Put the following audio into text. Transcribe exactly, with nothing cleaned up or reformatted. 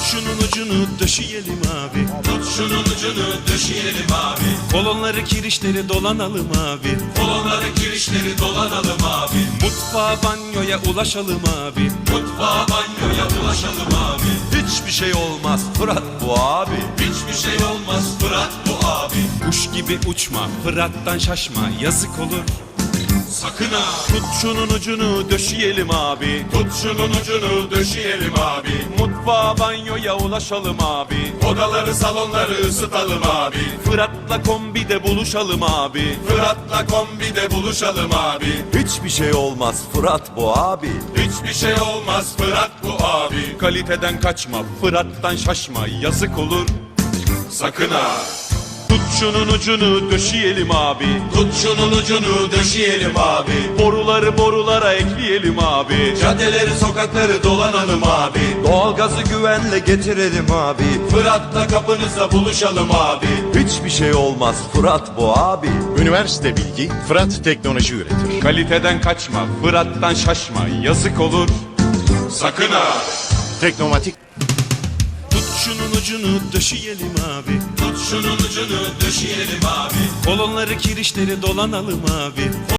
şunun ucunu döşeyelim abi. Tut şunun ucunu döşeyelim abi. Kolonları kirişleri dolanalım abi. Kolonları kirişleri dolanalım abi. Mutfağa banyoya ulaşalım abi. Mutfağa banyoya ulaşalım abi. Hiçbir şey olmaz Fırat bu abi. Hiçbir şey olmaz Fırat bu abi. Kuş gibi uçma, Fırat'tan şaşma, yazık olur. Sakın ha. Tut şunun ucunu döşeyelim abi. Tut şunun ucunu döşeyelim abi. Mutfağa banyoya ulaşalım abi. Odaları salonları ısıtalım abi. Fırat'la kombide buluşalım abi. Fırat'la kombide buluşalım abi. Hiçbir şey olmaz Fırat bu abi. Hiçbir şey olmaz Fırat bu abi. Kaliteden kaçma, Fırat'tan şaşma, yazık olur. Sakın ha. Tut şunun ucunu döşeyelim abi. Tut şunun ucunu döşeyelim abi. Boruları borulara ekleyelim abi. Caddeleri sokakları dolanalım abi. Doğalgazı güvenle getirelim abi. Fırat'la kapınızda buluşalım abi. Hiçbir şey olmaz Fırat bu abi. Üniversite bilgi, Fırat teknoloji üretir. Kaliteden kaçma, Fırat'tan şaşma, yazık olur. Sakın ha. Teknomatik Tut şunun ucunu döşeyelim abi. Tut şunun ucunu döşeyelim abi. Kolonları kirişleri dolanalım abi.